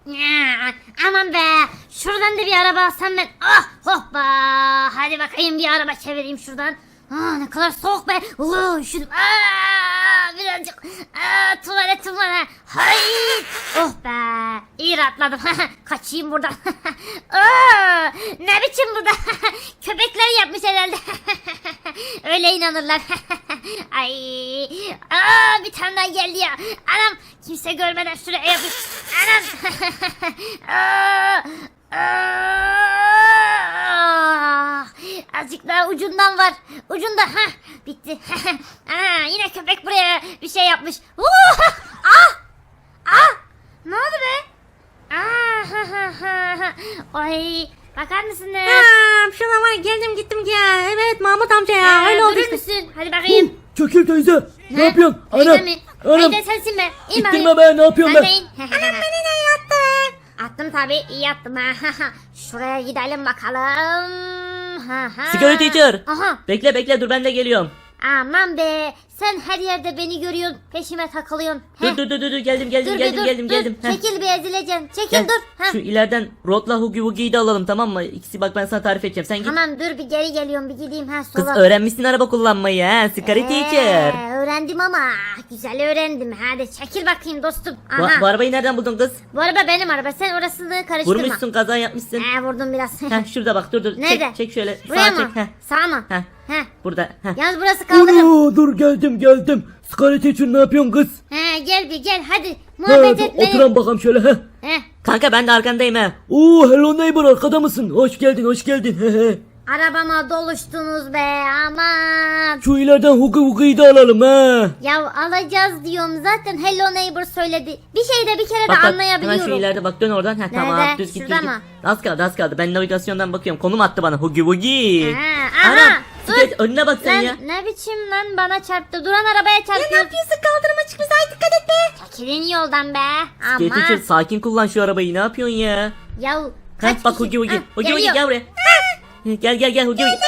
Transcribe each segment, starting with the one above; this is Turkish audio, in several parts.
Ya, aman be. Şuradan da bir araba alsam ben. Ah hoppa. Hadi bakayım bir araba çevireyim şuradan. Ne kadar soğuk be. Üşüdüm. Birazcık. Tuvaletim var ha. Hay. Oh be. İyi rahatladım. Kaçayım buradan. Ne biçim burada. Köpekler yapmış herhalde. Öyle inanırlar. Ay. Bir tane daha geldi ya. Anam. Kimse görmeden şuraya yapayım. Anam. Azıcık daha ucundan var. Ucunda. Bitti. Yine köpek buraya bir şey yapmış. Ne oldu be? Ay, bakar mısınız? Şuna var ya, geldim gittim ya. Evet Mahmut amca ya. Öyle oldu Durur işte. musun? Hadi bakayım. Çekil teyze. Ne yapıyorsun? Teyze Anam. mi? Anam. Teyze sensin be. İn İttirme bakayım. be, ne yapıyorsun Sen be? de in. Beni ne yattı? Attım tabii, iyi attım ha. Şuraya gidelim bakalım. Sigara teacher. Aha. Bekle dur ben de geliyorum. Aman be. Sen her yerde beni görüyorsun. Peşime takılıyorsun. Heh. Dur geldim Dur bir dur. geldim. Heh. Çekil bir ezileceksin. Çekil Gel. dur. Şu ileriden Rod'la Hugi Wugi'yi de alalım, tamam mı? İkisi, bak ben sana tarif edeceğim. Sen git. Tamam dur bir geri geliyorum, bir gideyim Kız sola. öğrenmişsin araba kullanmayı ha. Sigara teacher. Öğrendim ama güzel öğrendim. Hadi çekil bakayım dostum. Bu, Aha. bu arabayı nereden buldun kız? Bu araba benim araba. Sen orasını karıştırma. Vurmuşsun, kaza yapmışsın. Vurdum biraz. Heh, şurada bak, dur. Nerede? Çek şöyle. Buraya Sağa mı? çek. Heh. Sağ mı? Heh. Heh. Burada. Heh. Yalnız burası kaldırım. Dur geldim. Sigara için ne yapıyorsun kız? Gel bir gel hadi. Muhabbet etme. Oturan bakalım şöyle. Heh. Kanka ben de arkandayım ha. Hello neighbor, arkada mısın? Hoş geldin. Arabama doluştunuz be aman. Şu ileriden Hugi Wugi'yi de alalım ha. Ya alacağız diyorum zaten, hello neighbor söyledi. Bir şey de bir kere de Bak hemen anlayabiliyorum. şu ileride bak, dön oradan. Heh, tamam Nerede? düz git. Şurada düz git. mı? Az kaldı. Ben navigasyondan bakıyorum. Konum attı bana. Hugi Wugi. Aha, dur. Geç, önüne bak sen Lan ya. ne biçim lan, bana çarptı. Duran arabaya çarpıyor. Ne yapıyorsun, kaldırıma çıkmış, ay dikkat et be. Çekilin yoldan be. Teacher Aman. sakin kullan şu arabayı. Ne yapıyorsun ya? Ya kaç Heh, bak kişi- Hugi Wugi. Heh, Hugi Wugi geliyor. gel buraya. Gel Hugi Wugi.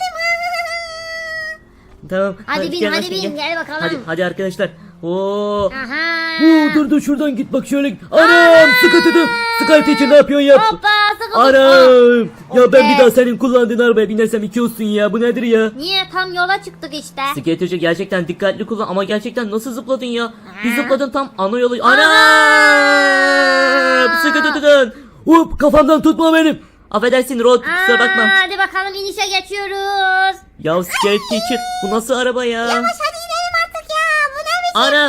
Tamam. Hadi bin, gel hadi aşkım, bin, gel bakalım. Hadi arkadaşlar. Oo. Aha. Dur şuradan git bak şöyle. Anam sıkıntıdı. Sigara için ne yapıyorsun ya? Hoppa sıkıldım. Anam. Ya ben be. bir daha senin kullandığın arabaya binersem iki olsun ya. Bu nedir ya? Niye, tam yola çıktık işte. Skaterci gerçekten dikkatli kullan, ama gerçekten nasıl zıpladın ya? Bir Ha. zıpladın tam ana yolu. Anam! Sıkı tutun. Hop, kafamdan tutma benim. Affedersin Rod, kusura bakma. Hadi bakalım inişe geçiyoruz. Ya Skate Teacher, bu nasıl araba ya? Hadi inelim artık ya. Bu ne biçim? Anam!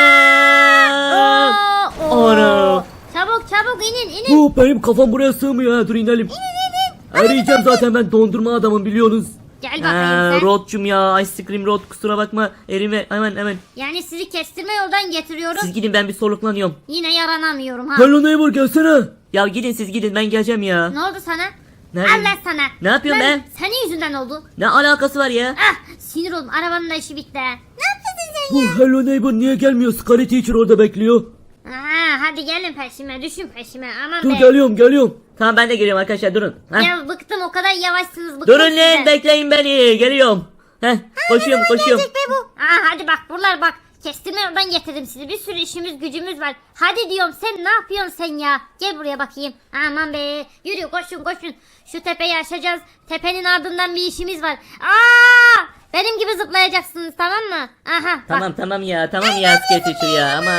Oo. Anam! Çabuk inin. Hop, benim kafam buraya sığmıyor ha. Dur inelim. Arayacağım zaten, ben dondurma adamım biliyorsunuz. Gel bakayım sen. Rod'cum ya, Ice Cream Rod, kusura bakma. Erime hemen. Yani sizi kestirme yoldan getiriyorum. Siz gidin, ben bir soluklanıyorum. Yine yaranamıyorum ha. Hello neighbor, gelsene. Ya gidin siz gidin, ben geleceğim ya. Ne oldu sana? Nerede? Allah sana. Ne yapıyorsun Lan, be? Senin yüzünden oldu. Ne alakası var ya? Sinir oldum. Arabanın da işi bitti. Ne yapıyorsun sen? Bu hello neighbor niye gelmiyor? Sigara teacher orada bekliyor. Hadi gelin peşime, düşün peşime. Aman Dur be. geliyorum. Tamam, ben de geliyorum arkadaşlar, durun. Heh. Ya bıktım, o kadar yavaşsınız, bıktım Durun size. lan, bekleyin beni, geliyorum. Heh, koşuyorum. Gelecek be bu. Hadi bak buralar bak. Kestirme yoldan getirdim sizi. Bir sürü işimiz gücümüz var. Hadi diyorum, sen ne yapıyorsun sen ya? Gel buraya bakayım. Aman be. Yürü, koşun. Şu tepeyi aşacağız. Tepenin ardından bir işimiz var. Benim gibi zıplayacaksınız, tamam mı? Aha bak. Tamam ya Skate Teacher ya, ama.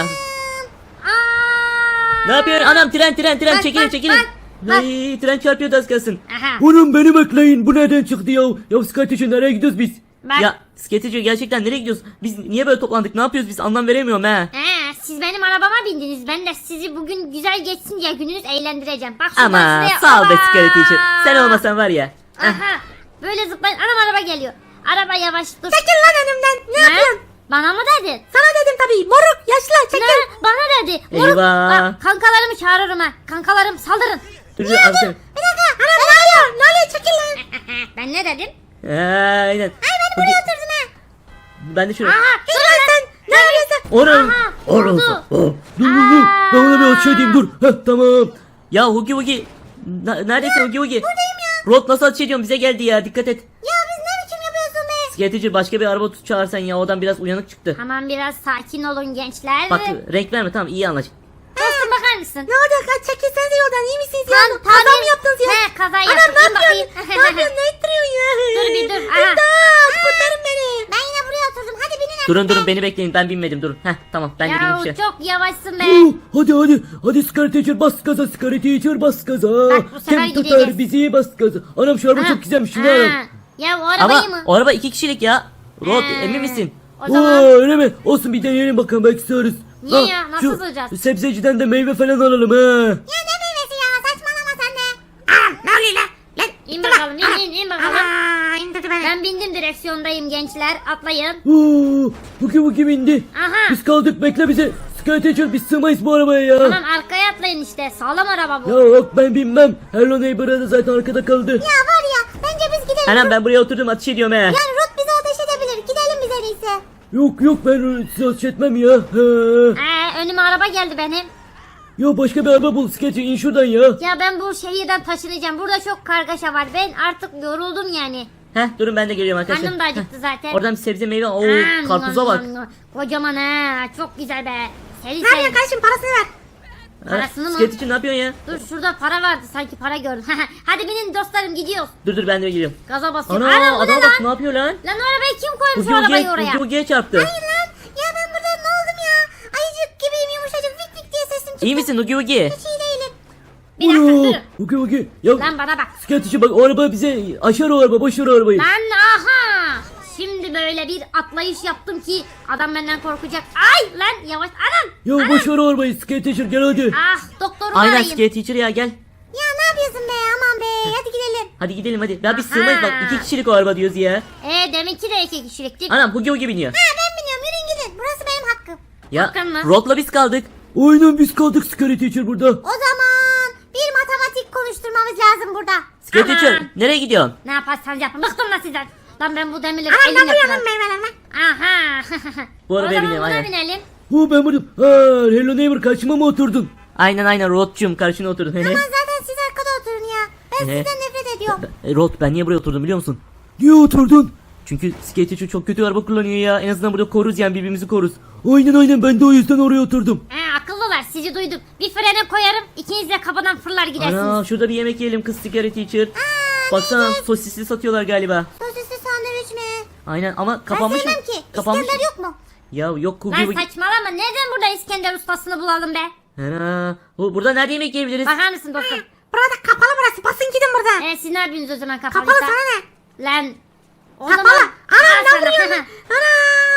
Aa! Ne yapıyorsun? Anam, tren, Bak, çekilin. bak. Ay, tren çarpıyordu az kalsın. Aha. Oğlum beni bekleyin. Bu nereden çıktı ya? Ya sigara teacher nereye gidiyoruz biz? Bak. Ya Skate Teacher, gerçekten nereye gidiyoruz? Biz niye böyle toplandık? Ne yapıyoruz biz? Anlam veremiyorum ha. Siz benim arabama bindiniz. Ben de sizi bugün güzel geçsin diye gününüz eğlendireceğim. Bak şuradan Ama şuraya. sağ ol be Aba! Skate Teacher. Sen olmasan var ya. Aha. Böyle zıplayın. Anam araba geliyor. Araba yavaş dur. Çekil lan önümden. Ne yapıyorsun? Bana mı dedin? Sana dedim tabii. Moruk yaşlı çekil. Ne? Bana dedi. Moruk. Eyvah. Bak, kankalarımı çağırırım ha. Kankalarım saldırın. Dur, al seni. Bir dakika. Anam ne oluyor? Ne oluyor, çekil lan. Ben ne dedim? Aynen. Buraya oturdun ha. Ben de şuraya. Aha. Dur lan sen. Ne yapıyorsun? Oğlum. Oldu. Dur. Ben ona bir şey diyeyim dur. Tamam. Ya Hugi Wugi. Neredesin Hugi Wugi? Buradayım ya. Rod nasıl ateş ediyorsun? Bize geldi ya, dikkat et. Ya biz ne biçim yapıyorsun be? Skate Teacher, başka bir araba tut çağırsan ya, odan biraz uyanık çıktı. Tamam, biraz sakin olun gençler. Bak renk verme, tamam, iyi anlaş. Dostum Dostum bakar mısın? Ne oldu? Çekilsenize yoldan. İyi misiniz ya? Lan, Kaza tabii. mı yaptınız ya? He, kaza Anam yaptım. ne İn bakayım. yapıyorsun? Ne yapıyorsun? Ne ittiriyorsun ya? Dur bir dur. Aha. İmdat! Kurtarın beni. Ben yine buraya oturdum. Hadi binin. Durun beni bekleyin, ben binmedim, durun. Heh, tamam, ben de Ya bineyim şey. çok yavaşsın be. Hadi Scar Teacher bas gaza, Scar Teacher bas gaza. Bak, bu sefer Kim tutar gideceğiz. bizi bas gaza. Anam şu araba Ha. çok güzelmiş, şunu Ha. alalım. Ya o arabayı Ama mı? o araba 2 kişilik ya. Rod He. emin misin? O zaman Öyle mi? Olsun bir deneyelim bakalım, belki sığarız. Niye ya? Nasıl şu sığacağız? sebzeciden de meyve falan alalım ha. Ya ne meyvesi ya? Saçmalama sen de. Ne oluyor lan? Lan. İn bakalım, in bakalım. Aa, indirdi beni. Ben bindim, direksiyondayım gençler. Atlayın. Huki bindi. Aha. Biz kaldık, bekle bizi. Scar Teacher biz sığmayız bu arabaya ya. Tamam, arkaya atlayın işte. Sağlam araba bu. Ya yok ben binmem. Hello Neighbor'a da zaten arkada kaldı. Ya var ya, bence biz gidelim. Anam ben buraya oturdum, ateş ediyorum he. Yani Ruth bize ateş edebilir. Gidelim biz en iyisi. Yok ben size ateş etmem ya. Önüme araba geldi benim. Ya başka bir araba bul, Sketch in şuradan ya. Ya ben bu şehirden taşınacağım. Burada çok kargaşa var. Ben artık yoruldum yani. Heh, durun ben de geliyorum arkadaşlar. Karnım da acıktı zaten. Oradan bir sebze meyve. Oo, Aa, karpuza bak. Kocaman ha. Çok güzel be. Seri Ne yapıyorsun seri. kardeşim? Parasını ver. Parasını mı? Sketch için ne yapıyorsun ya? Dur, şurada para vardı, sanki para gördüm. Hadi binin dostlarım, gidiyoruz. Dur ben de geliyorum. Gaza basıyorum. Ana Ana, bu ne adama lan? bak, ne yapıyor lan? Lan o arabayı kim koymuş, o arabayı oraya? Hugi çarptı. Hayır lan. Ya ben burada ne oldum ya? Ayıcık gibiyim, yumuşacık, vik vik diye sesim çıktı. İyi misin Hugi? Hiç iyi değilim. Bir dakika durun. Huki. Ya Lan bana bak. Sketch için bak, o araba bize aşar, o araba boş ver o arabayı. Lan aha. Şimdi böyle bir atlayış yaptım ki adam benden korkacak. Ay lan, yavaş anam. Ya boş ver o arabayı, Sketch gel hadi. Ah, doktorumu Aynen arayayım. Skate Teacher ya, gel. Ya ne yapıyorsun be, aman be, hadi gidelim. Hadi gidelim hadi. Ya biz sığmayız bak, 2 kişilik o araba diyoruz ya. Deminki de 2 kişilikti. Anam Hugi biniyor. Ben biniyorum, yürüyün gidin. Burası benim hakkım. Ya Hakan mı? Rod'la biz kaldık. Aynen biz kaldık, Skate Teacher burada. O zaman bir matematik konuşturmamız lazım burada. Skate Aha. Teacher nereye gidiyorsun? Ne yaparsanız yapın. Bıktım lan sizden. Lan ben bu demirleri Anam ne elimle vuruyorsun kırarım. meyvelerime? Aha. Bu arabaya O zaman binelim, buna aynen. binelim. Ben buradayım. Hello Neighbor, karşıma mı oturdun? Aynen Rod'cum karşına oturdun. Aman zaten siz arkada oturun ya. Ben Ehe. sizden nefret ediyorum. Rod ben niye buraya oturdum biliyor musun? Niye oturdun? Çünkü Skate Teacher çok kötü araba kullanıyor ya. En azından burada koruruz yani, birbirimizi koruruz. Aynen ben de o yüzden oraya oturdum. Akıllılar, sizi duydum. Bir frene koyarım, ikiniz de kapıdan fırlar gidersiniz. Ana şurada bir yemek yiyelim kız Skate Teacher. Baksana sosisli satıyorlar galiba. Sosisli sandviç mi? Aynen ama Ben kapanmış. sevmem ki. Kapanmış. İskender yok mu? Ya yok Lan Hugi. saçmalama. Neden burada İskender ustasını bulalım be? Ana burada nerede yemek yiyebiliriz? Bakar mısın dostum? Burada kapalı burası. Basın gidin buradan. Siz ne yapıyorsunuz o zaman kapalıysa? Kapalı sana ne? Lan. O Kapalı. zaman- Anam ne sana. vuruyorsun? Ana!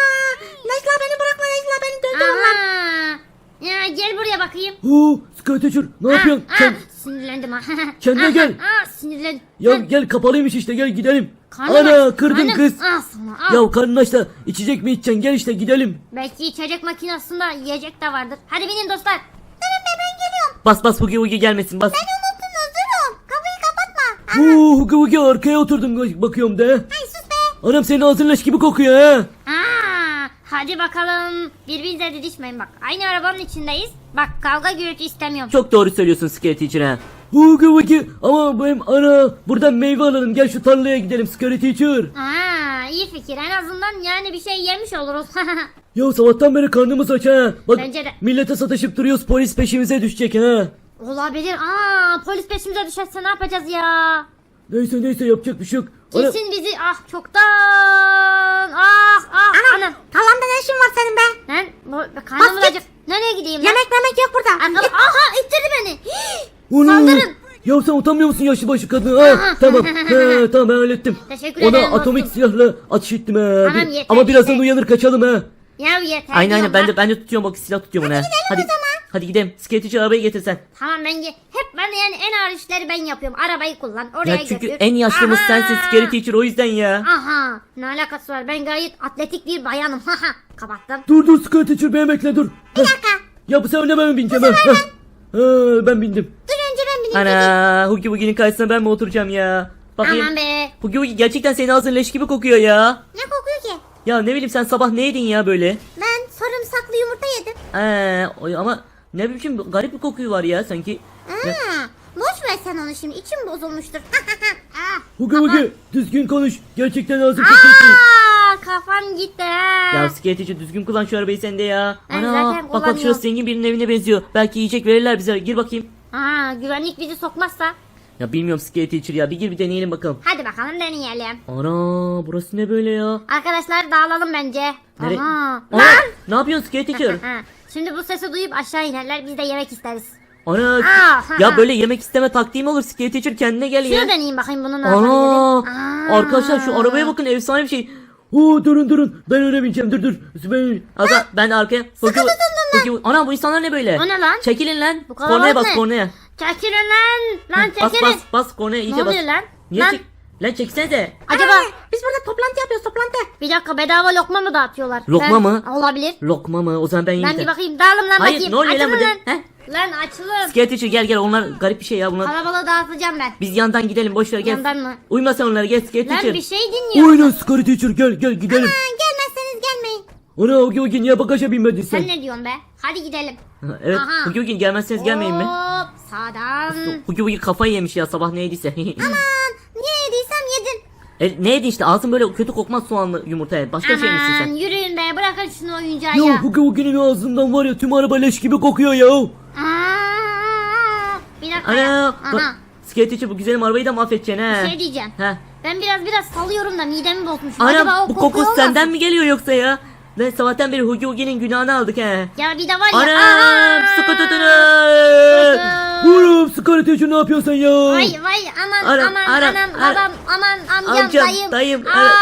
Necla beni bırakma, Necla beni döndür onlar. Aha. Ya gel buraya bakayım. Skate Teacher ne yapıyorsun? Sinirlendim ha. Kendine gel. Sinirlendim. Ya gel, kapalıymış işte, gel gidelim. Karnım Ana aç, kırdın karnım. kız. Al sana al. Ya karnın aç da içecek mi içeceksin, gel işte gidelim. Belki içecek makinesinde yiyecek de vardır. Hadi binin dostlar. Durun be, ben geliyorum. Bas Hugi gelmesin bas. Unuttunuz, durun. Kapıyı kapatma. Huki arkaya oturdum, bakıyorum de. Ay sus be. Anam senin ağzın leş gibi kokuyor ha. Hadi bakalım. Birbirinize didişmeyin bak. Aynı arabanın içindeyiz. Bak, kavga gürültü istemiyorum. Çok doğru söylüyorsun Skate Teacher ha. Huki ama benim ana buradan meyve alalım, gel şu tarlaya gidelim Skate Teacher. İyi fikir. En azından yani bir şey yemiş oluruz. Ya sabahtan beri karnımız aç ha. Bak Bence de. millete sataşıp duruyoruz, polis peşimize düşecek ha. Olabilir. Polis peşimize düşerse ne yapacağız ya? Neyse yapacak bir şey yok. Ana, Kesin bizi çoktan. Anam. Tarlamda ne işin var senin be? Lan karnım Bas git. acık. Nereye gideyim lan? Yemek yok burada. Aha, ittirdi beni. Ana! Saldırın. Ya sen utanmıyor musun yaşlı başlı kadın? Ha, tamam ben hallettim. Teşekkür Ona ederim atomik dostum. silahla atış ettim ha. Tamam, yeter, Ama birazdan yeter. uyanır kaçalım ha. Ya yeter. Aynen diyorum ben bak. de tutuyorum bak, silah tutuyorum ona. Hadi gidelim. Skate Teacher arabayı getir sen. Tamam hep ben yani en ağır işleri ben yapıyorum. Arabayı kullan. Oraya Ya çünkü götür. en yaşlımız Aha. sensin Skate Teacher, o yüzden ya. Aha. Ne alakası var? Ben gayet atletik bir bayanım. Haha. Kapattım. Dur Scar Teacher, beni bekle dur. Bir dakika. Ya bu sefer ne ben mi bineceğim ha? Ben bindim. Dur önce ben bineyim. Ana Hugi'nin karşısına ben mi oturacağım ya? Bakayım. Aman be. Hugi gerçekten senin ağzın leş gibi kokuyor ya. Ne kokuyor ki? Ya ne bileyim, sen sabah ne yedin ya böyle? Ben sarımsaklı yumurta yedim. Ama ne biçim garip bir kokuyu var ya sanki. Ya, Boş ver sen onu şimdi. İçim bozulmuştur. Hugi düzgün konuş. Gerçekten ağzın kokuyor. kafam gitti ha. Ya Skeletor düzgün kullan şu arabayı sen de ya. Ben Ana zaten bak bak kullanıyorum. şurası zengin birinin evine benziyor. Belki yiyecek verirler bize. Gir bakayım. Aa, güvenlik bizi sokmazsa. Ya bilmiyorum Skeletor ya. Bir gir bir deneyelim bakalım. Hadi bakalım deneyelim. Ana burası ne böyle ya? Arkadaşlar dağılalım bence. Nere- Aha. Ana, ne yapıyorsun Skeletor? Ha, şimdi bu sesi duyup aşağı inerler, biz de yemek isteriz. Ana Aa, ya böyle yemek isteme taktiği mi olur? Skeletor kendine gel ya. Şunu deneyeyim bakayım bunun ne Ana yapabilirim. Aa. arkadaşlar şu arabaya bakın, efsane bir şey. Oo durun ben öyle bineceğim dur. Ben de arkaya. Ana bu insanlar ne böyle? O ne lan? Çekilin lan. Bu kalabalık Kornaya bas ne? kornaya. Çekilin lan. Lan Bas çekilin. bas kornaya iyice Ne bas. oluyor lan? Niye Lan. çek? Lan çeksene. Acaba Biz burada toplantı yapıyoruz toplantı. bir dakika, bedava lokma mı dağıtıyorlar? Lokma mı? Olabilir. Lokma mı? O zaman ben Ben yiyeyim. bir bakayım, dağılın lan Hayır, bakayım. ne oluyor lan Açılın burada? lan. He? Lan açılın. Skeletor gel onlar garip bir şey ya bunlar. Kalabalığı dağıtacağım ben. Biz yandan gidelim, boş ver gel. Yandan mı? Uyma sen onlara, gel Lan Skeletor. bir şey dinliyorum. Aynen Skeletor gel gidelim. Gelmezseniz gelmeyin. Ana Ogi niye bagaja binmedin sen? Sen ne diyorsun be? Hadi gidelim. Evet. Aha. Hugi gelmezseniz gelmeyin mi? Hop sağdan. Hugi kafayı yemiş ya sabah ne yediyse. Aman niye yediysem yedin. Ne yedi işte, ağzın böyle kötü kokmaz soğanlı yumurtaya. Başka şey misin Aman sen? yürüyün be, bırakın şunu oyuncağı Ya ya. Ogi'nin ağzından var ya tüm araba leş gibi kokuyor ya. Aa, bir dakika ya. Ana Aha. bak Skeletor bu güzelim arabayı da mahvedeceksin Bir he. şey diyeceğim. He. Ben biraz salıyorum da midemi bozmuşum. Acaba Anam o bu koku koku olmasın? senden mi geliyor yoksa ya? Ben sabahtan beri Hugi'nin günahını aldık he. Ya bir de var ya. Anam aha! sıkı tutunun. Oğlum Skeletor ne yapıyorsun sen ya? Vay aman Anam, aman anam, anam anam. babam aman amcam Amcam, dayım,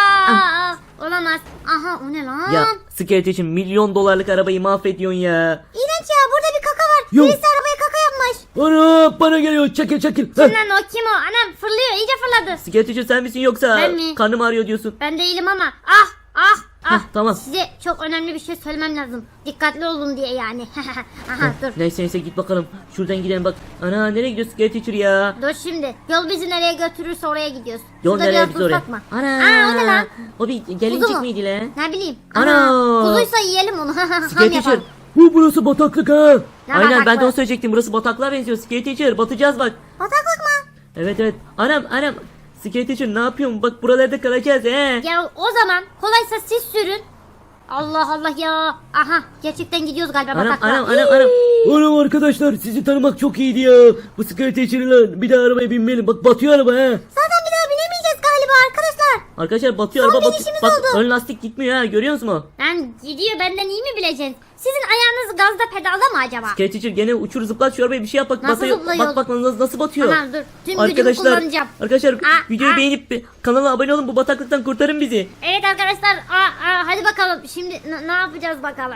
olamaz. Aha o ne lan? Ya Skeletor milyon dolarlık arabayı mahvediyorsun ya. İğrenç ya, burada bir kaka var. Yok. Birisi arabaya kaka yapmış. Ana bana geliyor çekil. Kim lan o, kim o? Anam fırlıyor, iyice fırladı. Skeletor sen misin yoksa Ben mi? karnım ağrıyor diyorsun. Ben değilim ama Heh, tamam. Size çok önemli bir şey söylemem lazım. Dikkatli olun diye yani. Aha dur. Neyse git bakalım. Şuradan gidelim bak. Ana nereye gidiyor Skeletor ya? Dur şimdi. Yol bizi nereye götürürse oraya gidiyoruz. Yol Şurada nereye biraz biz tuz oraya? satma. Ana. Aa, o ne lan? O bir Kuzu gelincik mu? miydi lan? Ne bileyim. Ana. Kuzuysa yiyelim onu. Ham Skeletor. yapalım. Burası bataklık ha. Ne Aynen ben de bataklığı? onu söyleyecektim. Burası bataklığa benziyor Skeletor. Batacağız bak. Bataklık mı? Evet. Anam. Skeletor ne yapıyorsun? Bak buralarda kalacağız he. Ya o zaman kolaysa siz sürün. Allah Allah ya. Aha gerçekten gidiyoruz galiba bataklığa. Anam. Oğlum arkadaşlar sizi tanımak çok iyiydi ya. Bu Skeletor'la bir daha arabaya binmeyelim. Bak batıyor araba ha. Zaten bir daha binemeyeceğiz galiba arkadaşlar. Arkadaşlar batıyor Son araba batıyor. binişimiz Bak oldu. ön lastik gitmiyor ha, görüyor musun? Lan gidiyor, benden iyi mi bileceksin? Sizin ayağınız gazda pedalda mı acaba? Skeletor gene uçur zıplat şu arabayı, bir şey yap bak. Nasıl batıyor. zıplıyor? Bak nasıl batıyor. Tamam dur. Tüm gücümü kullanacağım. Arkadaşlar videoyu aa. beğenip kanala abone olun, bu bataklıktan kurtarın bizi. Evet arkadaşlar. Hadi bakalım. Şimdi ne yapacağız bakalım?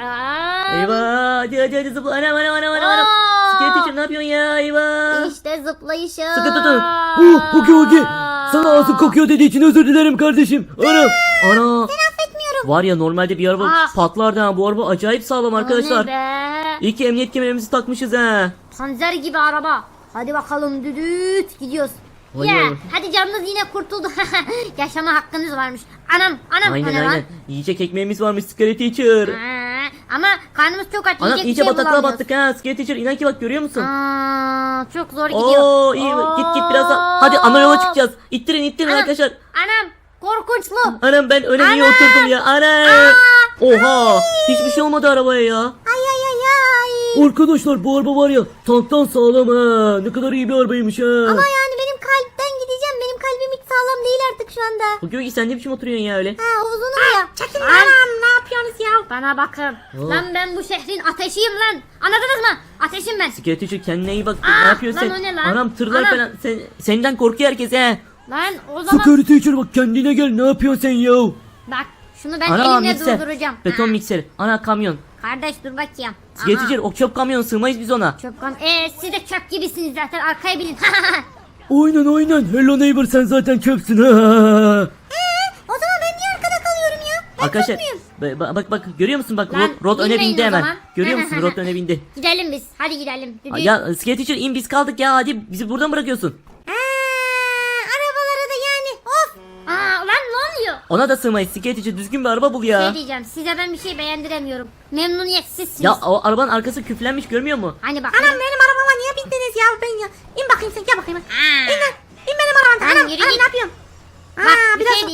Eyvah hadi zıpla. Anam. Aa. Skeletor ne yapıyorsun ya, eyvah. İşte zıplayışım. Sıkı tutun. Ogi. Sana ağzın kokuyor dediği için özür dilerim kardeşim. Ana. Ana. Affetmiyorum. Var ya normalde bir araba Ah. patlardı ha, bu araba acayip sağlam arkadaşlar. O ne be? İyi ki emniyet kemerimizi takmışız ha. Panzer gibi araba. Hadi bakalım düdüt gidiyoruz. Vay Ya vay. hadi canınız yine kurtuldu. Yaşama hakkınız varmış. Anam o ne lan? Aynen. Yiyecek ekmeğimiz varmış Skeletor. Ama karnımız çok aç. Anam yiyecek bir iyice şey bataklığa bulamıyoruz. battık ha Skeletor, inan ki bak görüyor musun? Çok zor gidiyor. Oo iyi, git biraz daha. Hadi ana yola çıkacağız. İttirin Anam, arkadaşlar. Anam korkunçlu. Anam ben öyle niye Anam. oturdum ya? Ana. Oha, hiçbir şey olmadı arabaya ya. Ay. Arkadaşlar bu araba var ya tanktan sağlam ha. Ne kadar iyi bir arabaymış ha. Ama yani benim kalpten gideceğim. Benim kalbim hiç sağlam değil artık şu anda. Bu Gögi sen ne biçim oturuyorsun ya öyle? Uzunum ya. Çekin anam ne yapıyorsunuz ya? Bana bakın. Oh. Lan ben bu şehrin ateşiyim lan. Anladınız mı? Ateşim ben. Skeletor kendine iyi bak. Aa, Ne yapıyorsun lan sen? o ne lan? Anam tırlar Anam. falan. Senden korkuyor herkes he. Lan o zaman Skeletor bak kendine gel ne yapıyorsun sen ya? bak şunu ben Ana elimle mikser. durduracağım. Beton Ha. mikser. Ana kamyon. Kardeş dur bakayım. Skeletor o çöp kamyonu, sığmayız biz ona. Çöp kam. Siz de çöp gibisiniz zaten, arkaya binin. Aynen. Hello neighbor sen zaten çöpsün ha. O zaman ben niye arkada kalıyorum ya? Arkadaşlar bak görüyor musun bak Lan, Rod öne binmeyin bindi o hemen. zaman. Görüyor musun Rod öne bindi. Gidelim biz. Hadi gidelim. Düdüğü. Ya Skeletor in biz kaldık ya, hadi bizi buradan bırakıyorsun. Arabaları da yani of. Lan ne oluyor? Ona da sığmayız Skeletor, düzgün bir araba bul ya. Şey diyeceğim, size ben bir şey beğendiremiyorum. Memnuniyetsizsiniz. Ya o arabanın arkası küflenmiş, görmüyor musun? Hani bak. Anam benim arabama niye bindiniz ya ben ya? İn bakayım sen gel bakayım. İn lan. İn benim arabama. Lan Anam yürü anam git. ne yapıyorsun? Bak bir biraz şey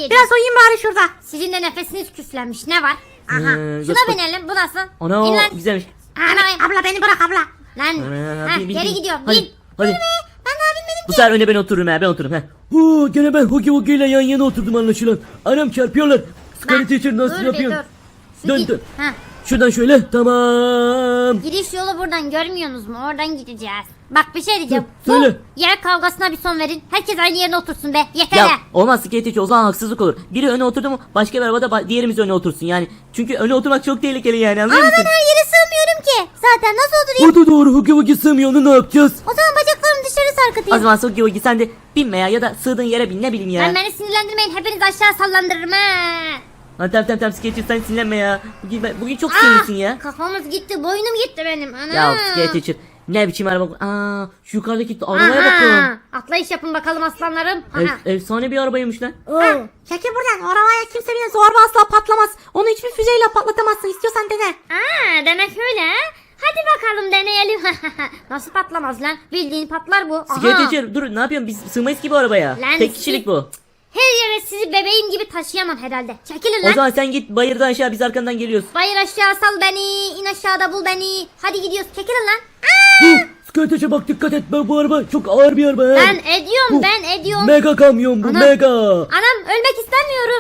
diyeceğim. Biraz uyuyayım bari şurada. Sizin de nefesiniz küflenmiş. Ne var? Aha. Şuna göster- binelim. Bu nasıl? Ana İn lan. güzelmiş. Ana. Abla beni bırak abla. Lan. Ana, Ha, bin, bin, geri bin. gidiyorum. Hadi. Bin. Hadi. Ben daha binmedim Bu sefer öne ben otururum ha ben otururum ha. Gene ben Hugi Wugi ile yan yana oturdum anlaşılan. Anam çarpıyorlar. Scary Teacher nasıl Dur bir yapıyorsun? dur. Şu Dön, git- dön. Ha. Şuradan şöyle tamam. Giriş yolu buradan görmüyorsunuz mu? Oradan gideceğiz. Bak bir şey diyeceğim. Hı, söyle. Bu yer kavgasına bir son verin. Herkes aynı yerine otursun be. Yeter Ya be. olmaz Scary Teacher o zaman haksızlık olur. Biri öne oturdu mu başka bir arabada diğerimiz öne otursun yani. Çünkü öne oturmak çok tehlikeli yani anlıyor Ama musun? ben her yere sığmıyorum ki. Zaten nasıl oturayım? O da doğru Hugi Wugi sığmıyor onu ne yapacağız? O zaman bacaklarımı dışarı O sarkıtayım. zaman Sugi Wugi sen de binme ya da sığdığın yere bin ne bileyim ya. Lan beni sinirlendirmeyin. Hepiniz aşağı sallandırırım ha. Ha, tamam Scary Teacher sen sinirlenme ya. Bugün çok Ah, sinirlisin ya. Kafamız gitti. Boynum gitti benim. Ana. Ya Scary Teacher ne biçim araba bu? Aa şu yukarıdaki arabaya bakın. Atlayış yapın bakalım aslanlarım. Efsane bir arabaymış lan. Çekil buradan. O arabaya kimse bile zorba asla patlamaz. Onu hiçbir füzeyle patlatamazsın. İstiyorsan dene. Demek öyle ha. Hadi bakalım deneyelim. Nasıl patlamaz lan? Bildiğin patlar bu. Scary Aha. Teacher dur ne yapıyorsun biz sığmayız ki bu arabaya. Lan Tek kişilik bu. Her yere sizi bebeğim gibi taşıyamam herhalde. Çekilin O lan. zaman sen git bayırdan aşağı biz arkandan geliyoruz. Bayır aşağı sal beni. İn aşağıda bul beni. Hadi gidiyoruz. Çekilin lan. Scary Teacher bak dikkat et bu araba çok ağır bir araba. ha. Ben ediyorum. Bu Ben ediyorum. Mega kamyon bu Ana. mega. Anam ölmek istemiyorum.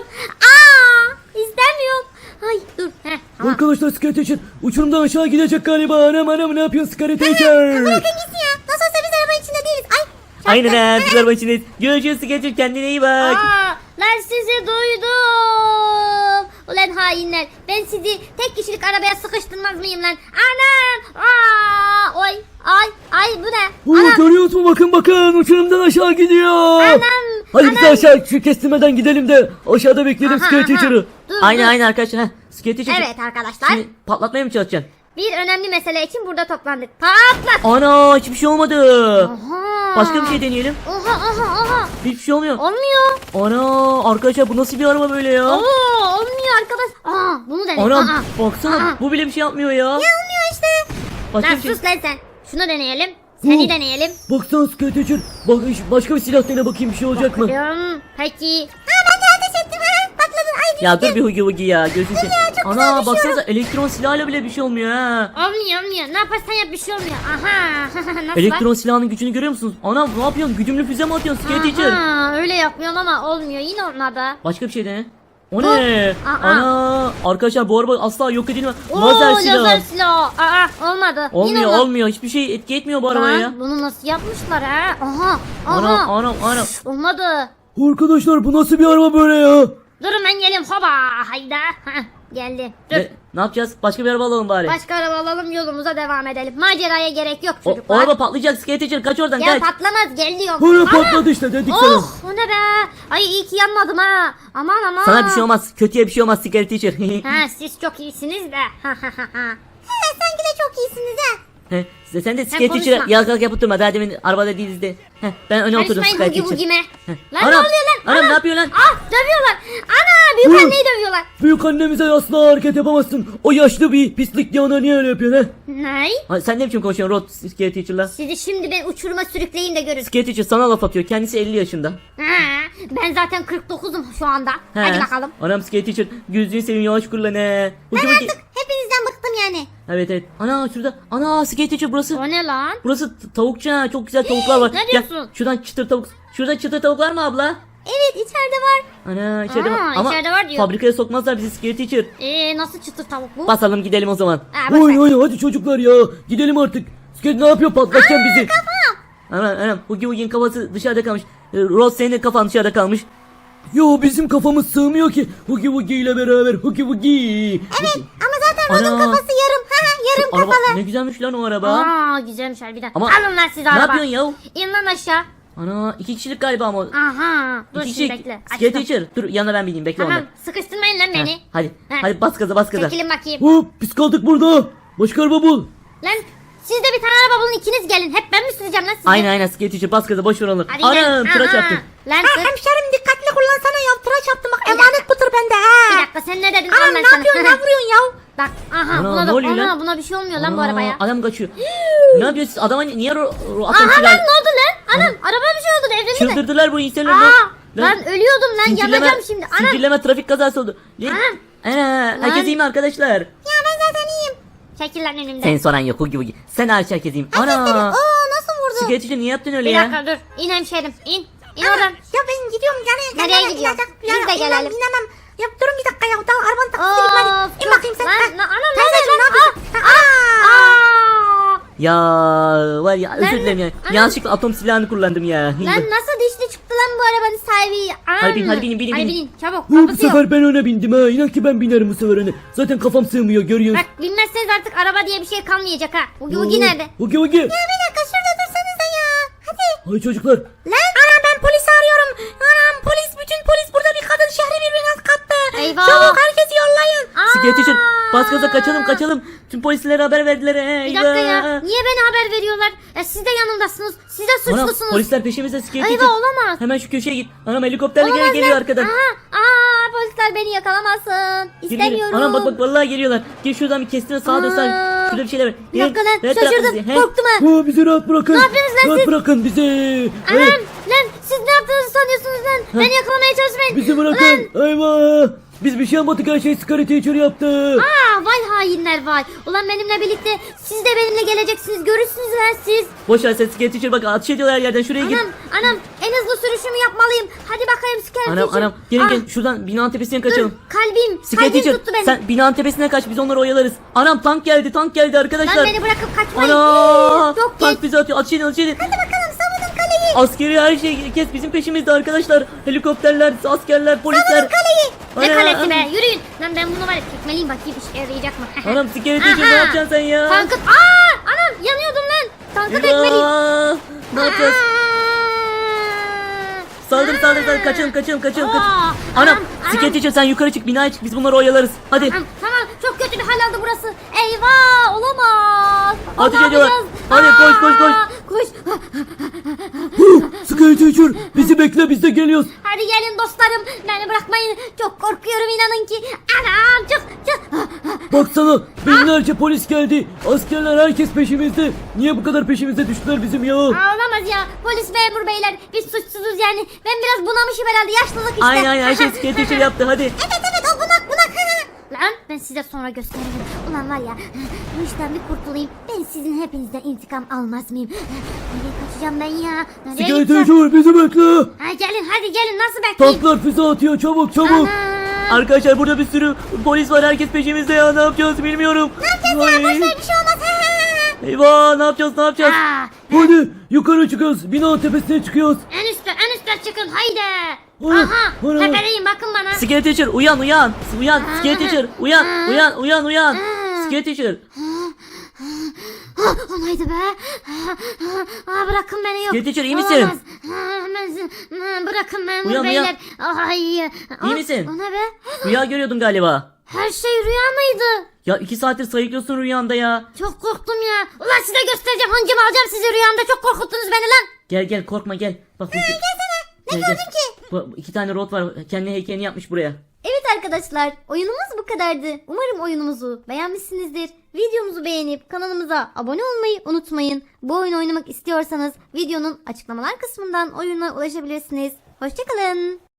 İstemiyorum. Ay dur. Heh, tamam. Arkadaşlar Scary Teacher uçurumdan aşağı gidecek galiba. Anam ne yapıyorsun Scary Teacher? Bakın gitsin ya. Nasıl olsa biz arabanın içinde değiliz. Ay. Aynen ha biz arabanın içindeyiz. Görüşürüz Scary Teacher kendine iyi bak. Lan sizi duydum. Ulan hainler. Ben sizi tek kişilik arabaya sıkıştırmaz mıyım lan? Anam. Oy. Ay bu ne? Anam. Görüyoruz mu bakın uçurumdan aşağı gidiyor. Anam. Hadi biz de aşağı şu kestirmeden gidelim de aşağıda bekleyelim Aha, Scary aha. Teacher'ı. Dur, Aynen dur. aynen arkadaşlar. Ha, Scary Teacher. Evet arkadaşlar. Şimdi patlatmaya mı çalışacaksın? Bir önemli mesele için burada toplandık. Patlat. Ana hiçbir şey olmadı. Aha. Başka bir şey deneyelim. Oha. Hiçbir şey olmuyor. Olmuyor. Ana arkadaşlar bu nasıl bir araba böyle ya? Olmuyor arkadaş. Bunu deneyelim. Anam baksana bu bile bir şey yapmıyor ya. Olmuyor işte. Başka Lan bir şey. sus lan sen. Şunu deneyelim. Seni Hı. deneyelim. Baksana Scary Teacher. Bak başka bir silah dene bakayım bir şey olacak mı? Peki. Ben de ateş ettim ha. Patladın. Ay Ya dur bir Hugi Wugi ya gözünü seveyim. çok güzel Ana düşüyorum. baksanıza elektron silahla bile bir şey olmuyor ha. Olmuyor. Ne yaparsan yap bir şey olmuyor. Aha. Nasıl Elektron silahının gücünü görüyor musunuz? Ana ne yapıyorsun? Güdümlü füze mi atıyorsun Scary Teacher? Öyle yapmıyorum ama olmuyor. Yine olmadı. Başka bir şey dene. O ne? Aa. Ana arkadaşlar bu araba asla yok edilmez. Oo, Lazer lazer silah. silah. Olmadı. Yine Olmuyor olmadı. olmuyor hiçbir şey etki etmiyor bu arabaya Lan, ya. bunu nasıl yapmışlar ha? Aha. Ana. Olmadı. Arkadaşlar bu nasıl bir araba böyle ya? Durun ben geleyim. Hoba. Hayda. Heh, geldi. Dur. Ne yapacağız? Başka bir araba alalım bari. Başka araba alalım yolumuza devam edelim. Maceraya gerek yok O çocuklar. araba patlayacak Scary Teacher kaç oradan Ya kaç. patlamaz gel diyorum. Böyle Ana! patladı işte dedik sana. Oh o ne be. Ay iyi ki yanmadım ha. Aman. Sana bir şey olmaz. Kötüye bir şey olmaz Scary Teacher. Ha siz çok iyisiniz de. Sanki de çok iyisiniz ha. Sen de Scary konuşma. Teacher'a yalakalık yapıp durma. Daha demin arabada değiliz de. Ben öne oturdum Karışmayın Scary hugi Teacher. hugime. Lan Anam, ne oluyor lan? anam, ne yapıyor lan? Dövüyorlar. Ana büyük Hı. anneyi dövüyorlar. Büyük annemize asla hareket yapamazsın. O yaşlı bir pislik diye ona niye öyle yapıyorsun he? Ne? Ha, sen ne biçim konuşuyorsun Rod Scary Teacher'la? Sizi şimdi ben uçuruma sürükleyin de görün. Scary Teacher sana laf atıyor. Kendisi 50 yaşında. Ben zaten 49'um şu anda. Hadi bakalım. Anam Scary Teacher gözünü seveyim yavaş kurla ne. Ben artık hepinizden bıktım yani. Evet. Ana şurada. Ana Scary Teacher burası. O ne lan? Burası tavukçu ha. Çok güzel tavuklar var. ne Gel, diyorsun? şuradan çıtır tavuk. Şurada çıtır tavuk var mı abla? Evet içeride var. Ana içeride var. Ama içeride var diyor. fabrikaya sokmazlar bizi Scary Teacher. Nasıl çıtır tavuk bu? Basalım gidelim o zaman. Boş ver. Oy hadi çocuklar ya. Gidelim artık. Scary ne yapıyor patlatacaksın bizi. Anam Hugi Wugi'nin kafası dışarıda kalmış. Ross senin de kafan dışarıda kalmış. Yo bizim kafamız sığmıyor ki. Hugi Wugi ile beraber Hugi Wugi. Evet ama zaten Rod'un Ana. kafası yarım. Yarım Araba kafalı. ne güzelmiş lan o araba. Güzelmiş harbiden. Ama- Alın lan siz Ne araba. yapıyorsun ya? İn lan aşağı. Ana 2 kişilik galiba ama. Aha. Dur İki şimdi kişilik. bekle. Scary Açtım. Teacher dur yanına ben bineyim bekle Tamam ondan. sıkıştırmayın lan beni. Hadi. Heh. Hadi bas gaza. Çekilin bakayım. Hop biz kaldık burada. Başka araba bul. Lan siz de bir tane araba bulun ikiniz gelin. Hep ben mi süreceğim lan sizi? Aynen Scary Teacher bas gaza boş ver onu. Hadi gidelim. Anam tıraş Aha. yaptım. Lan Ha, dur. hemşerim dikkatli kullansana ya. Tıraş yaptım bak. Bir Emanet bu tır bende Bir ha. dakika sen ne dedin? Anam Al ben ne sana. yapıyorsun? Ne vuruyorsun ya? Bak aha Ana, buna ne da oluyor lan? buna bir şey olmuyor lan bu Aa, arabaya. Adam kaçıyor. Ne yapıyorsun siz? Adama niye atın Aha silah? lan ne oldu lan? Anam araba bir şey oldu devrildi mi? Çıldırdılar bu insanlar. Aa Lan ölüyordum lan, yanacağım şimdi. Anam. Zincirleme trafik kazası oldu. Anam. Ana, herkes Lan. iyi mi arkadaşlar? Ya ben zaten iyiyim. Çekil lan önümden. Sen soran yok Hugi Hugi. Sen hariç herkes iyi mi? Ana. Nasıl vurdu? Sketch'te niye yaptın öyle Bir ya? dakika dur. İn hemşerim. İn. İn oradan. Ya ben gidiyorum yani. Nereye gidiyorsun? Biz de gelelim. İnemem. Ya durun bir dakika ya. Daha arabanın taksisi gitmedi. İn bakayım sen. Anam Teyzeciğim, ne yapıyorsun? Ya var ya özür Lan, dilerim ya. anam. Yanlışlıkla atom silahını kullandım ya. Lan nasıl dişli çıktı lan bu arabanın sahibi? Hadi binin. Hadi binin. Çabuk. Bu Kapısı yok. sefer ben öne bindim ha. İnan ki ben binerim bu sefer öne. Zaten kafam sığmıyor görüyorsun. Bak bilmezseniz artık araba diye bir şey kalmayacak ha. Hugi nerede? Hugi Hugi. Bir dakika şurada dursanıza ya. Hadi. Ay çocuklar. Lan anam ben polisi arıyorum. Anam bütün polis burada, bir kadın şehri birbirine kattı. Eyvah. Çabuk herkesi yollayın. Sketch'te bas gaza kaçalım. Tüm polislere haber verdiler. Bir dakika ya. Niye beni haber veriyorlar? Siz de yanımdasınız. Siz de Anam suçlusunuz. polisler peşimizde Sketch'te. Eyvah, olamaz. Hemen şu köşeye git. Anam helikopterle Olamaz geliyor lan. arkadan. Polisler beni yakalamasın. Geliyor. İstemiyorum. Anam bak vallahi geliyorlar. Gel şuradan bir kestine sağa dön sağa. Şurada bir şeyler var. Bir dakika lan, Her taraf şaşırdım. bizi, he? Korktum ha. Bizi rahat bırakın. Ne yapıyorsunuz lan Rahat siz? bırakın bizi. Anam Evet, lan siz ne yaptığınızı sanıyorsunuz lan? Beni yakalamaya çalışmayın. bizi bırakın. Eyvah. Biz bir şey yapmadık, her şey Scary Teacher yaptı. Vay hainler vay. Ulan benimle birlikte siz de benimle geleceksiniz. Görürsünüz lan siz. Boş ver sen Sketch'e bak ateş ediyorlar her yerden şuraya git. Anam en hızlı sürüşümü yapmalıyım. Hadi bakayım Scare Anam gelin şuradan binanın tepesine kaçalım. Kalbim Sketch'e tuttu beni. sen binanın tepesine kaç biz onları oyalarız. Anam tank geldi arkadaşlar. Lan beni bırakıp kaçmayın. Ana! Çok Tank geç. bizi atıyor. Ateş edin. Hadi bakalım savunun kaleyi. Askeri her şey kes bizim peşimizde arkadaşlar. Helikopterler, askerler, polisler. Ne Ana! kalesi be, yürüyün. Lan ben bunu var ya tekmeliyim, bakayım işe yarayacak mı? Anam sigareti için Aha! ne yapacaksın sen ya? Tankı... Anam yanıyordum lan. Tankı tekmeliyim. Eyvah! Ne yapacağız? Saldır kaçalım. Aa! Anam Anam! sigareti için sen yukarı çık binaya çık biz bunları oyalarız. Hadi. Tamam çok kötü bir hal aldı burası. Eyvah olamaz. Ateş Ne ediyorlar. yapacağız? Hadi koş. Koş. Scary Teacher bizi bekle, biz de geliyoruz. Hadi gelin dostlarım. Beni bırakmayın. Çok korkuyorum inanın ki. Anam çık. Baksana binlerce polis geldi. Askerler, herkes peşimizde. Niye bu kadar peşimize düştüler bizim ya? Olamaz ya. Polis memur beyler. Biz suçsuzuz yani. Ben biraz bunamışım herhalde. yaşlılık işte. Aynen her şey sigareti yaptı hadi. Evet o bunak. Lan ben size sonra gösteririm. Ulan var ya bu işten bir kurtulayım. Ben sizin hepinizden intikam almaz mıyım? Nereye kaçacağım ben ya? Nereye Scary gideceğim? Teacher bizi bekle. Hadi gelin nasıl bekleyeyim? Tanklar füze atıyor, çabuk. Ana. Arkadaşlar burada bir sürü polis var herkes peşimizde ya ne yapacağız bilmiyorum. Ne yapacağız ya Bir şey olmaz. Eyvah ne yapacağız? Hadi yukarı çıkıyoruz. Binanın tepesine çıkıyoruz. En üstte çıkın haydi. Ana, Aha ana. tepedeyim bakın bana. Scary Teacher uyan. Scary Teacher uyan. Scary Teacher. Olaydı be. Bırakın beni yok. Scary Teacher iyi misin? Olamaz. Bırakın memur Uyan. beyler. Ay. İyi misin? O ne be? Rüya görüyordun galiba. Her şey rüya mıydı? Ya 2 saattir sayıklıyorsun rüyanda ya. Çok korktum ya. Ulan size göstereceğim. Hancımı alacağım sizi rüyamda. Çok korkuttunuz beni lan. Gel korkma gel. Bak ne gördün ki? Bu 2 tane rot var. Kendi heykelini yapmış buraya. Evet arkadaşlar, oyunumuz bu kadardı. Umarım oyunumuzu beğenmişsinizdir. Videomuzu beğenip kanalımıza abone olmayı unutmayın. Bu oyunu oynamak istiyorsanız videonun açıklamalar kısmından oyuna ulaşabilirsiniz. Hoşçakalın.